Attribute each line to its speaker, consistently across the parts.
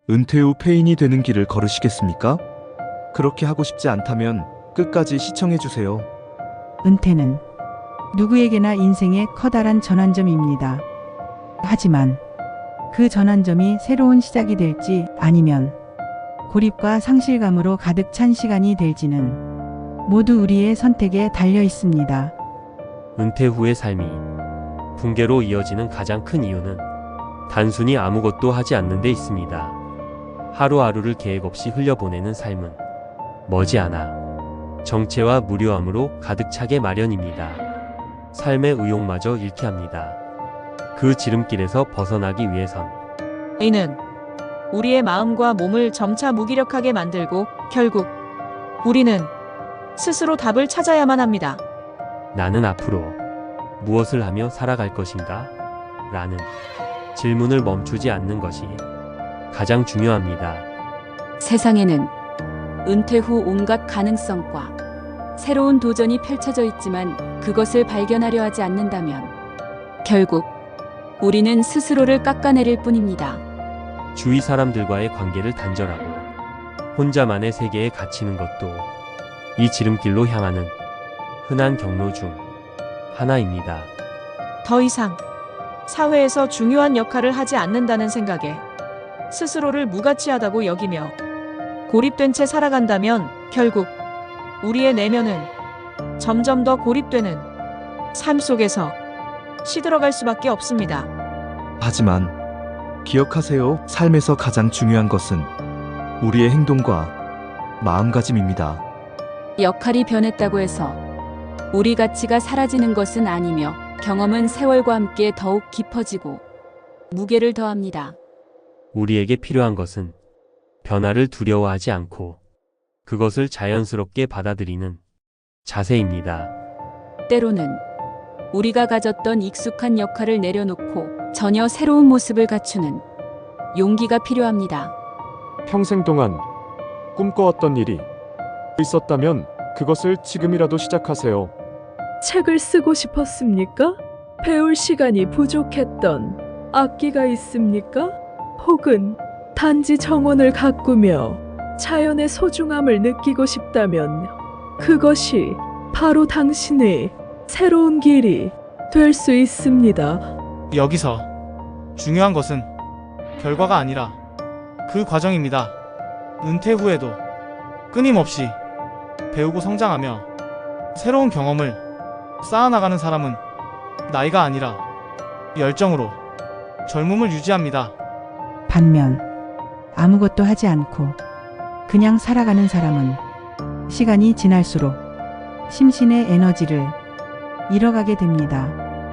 Speaker 1: 은퇴 후 폐인이 되는 길을 걸으시겠습니까? 그렇게 하고 싶지 않다면 끝까지 시청해주세요.
Speaker 2: 은퇴는 누구에게나 인생의 커다란 전환점입니다. 하지만 그 전환점이 새로운 시작이 될지 아니면 고립과 상실감으로 가득 찬 시간이 될지는 모두 우리의 선택에 달려 있습니다.
Speaker 3: 은퇴 후의 삶이 붕괴로 이어지는 가장 큰 이유는 단순히 아무것도 하지 않는 데 있습니다. 하루하루를 계획 없이 흘려보내는 삶은 머지않아 정체와 무료함으로 가득 차게 마련입니다. 삶의 의욕마저 잃게 합니다. 그 지름길에서 벗어나기 위해선
Speaker 4: 이는 우리의 마음과 몸을 점차 무기력하게 만들고 결국 우리는 스스로 답을 찾아야만 합니다.
Speaker 3: 나는 앞으로 무엇을 하며 살아갈 것인가? 라는 질문을 멈추지 않는 것이 가장 중요합니다.
Speaker 5: 세상에는 은퇴 후 온갖 가능성과 새로운 도전이 펼쳐져 있지만 그것을 발견하려 하지 않는다면 결국 우리는 스스로를 깎아내릴 뿐입니다.
Speaker 3: 주위 사람들과의 관계를 단절하고 혼자만의 세계에 갇히는 것도 이 지름길로 향하는 흔한 경로 중 하나입니다.
Speaker 4: 더 이상 사회에서 중요한 역할을 하지 않는다는 생각에 스스로를 무가치하다고 여기며 고립된 채 살아간다면 결국 우리의 내면은 점점 더 고립되는 삶 속에서 시들어갈 수밖에 없습니다.
Speaker 1: 하지만 기억하세요. 삶에서 가장 중요한 것은 우리의 행동과 마음가짐입니다.
Speaker 5: 역할이 변했다고 해서 우리 가치가 사라지는 것은 아니며 경험은 세월과 함께 더욱 깊어지고 무게를 더합니다.
Speaker 3: 우리에게 필요한 것은 변화를 두려워하지 않고 그것을 자연스럽게 받아들이는 자세입니다.
Speaker 5: 때로는 우리가 가졌던 익숙한 역할을 내려놓고 전혀 새로운 모습을 갖추는 용기가 필요합니다.
Speaker 6: 평생 동안 꿈꿔왔던 일이 있었다면 그것을 지금이라도 시작하세요.
Speaker 7: 책을 쓰고 싶었습니까? 배울 시간이 부족했던 악기가 있습니까? 혹은 단지 정원을 가꾸며 자연의 소중함을 느끼고 싶다면 그것이 바로 당신의 새로운 길이 될 수 있습니다.
Speaker 8: 여기서 중요한 것은 결과가 아니라 그 과정입니다. 은퇴 후에도 끊임없이 배우고 성장하며 새로운 경험을 쌓아나가는 사람은 나이가 아니라 열정으로 젊음을 유지합니다.
Speaker 2: 반면 아무것도 하지 않고 그냥 살아가는 사람은 시간이 지날수록 심신의 에너지를 잃어가게 됩니다.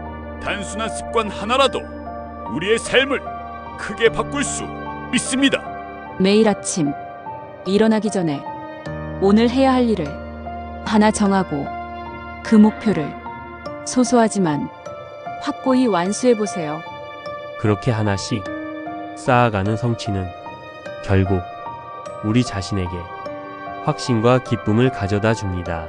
Speaker 9: 단순한 습관 하나라도 우리의 삶을 크게 바꿀 수 있습니다.
Speaker 5: 매일 아침 일어나기 전에 오늘 해야 할 일을 하나 정하고 그 목표를 소소하지만 확고히 완수해 보세요.
Speaker 3: 그렇게 하나씩 쌓아가는 성취는 결국 우리 자신에게 확신과 기쁨을 가져다 줍니다.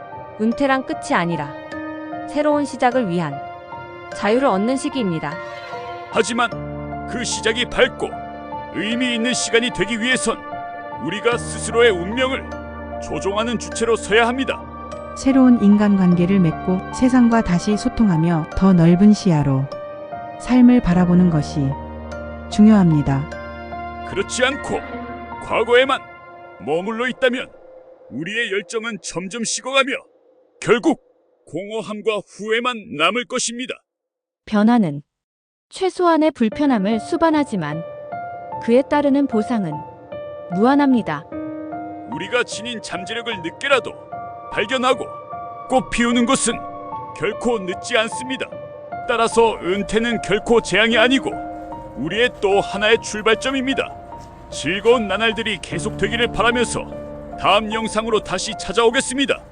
Speaker 10: 은퇴란 끝이 아니라 새로운 시작을 위한 자유를 얻는 시기입니다.
Speaker 9: 하지만 그 시작이 밝고 의미 있는 시간이 되기 위해선 우리가 스스로의 운명을 조종하는 주체로 서야 합니다.
Speaker 2: 새로운 인간관계를 맺고 세상과 다시 소통하며 더 넓은 시야로 삶을 바라보는 것이 중요합니다.
Speaker 9: 그렇지 않고 과거에만 머물러 있다면 우리의 열정은 점점 식어가며 결국 공허함과 후회만 남을 것입니다.
Speaker 10: 변화는 최소한의 불편함을 수반하지만 그에 따르는 보상은 무한합니다.
Speaker 9: 우리가 지닌 잠재력을 늦게라도 발견하고 꽃 피우는 것은 결코 늦지 않습니다. 따라서 은퇴는 결코 재앙이 아니고 우리의 또 하나의 출발점입니다. 즐거운 나날들이 계속되기를 바라면서 다음 영상으로 다시 찾아오겠습니다.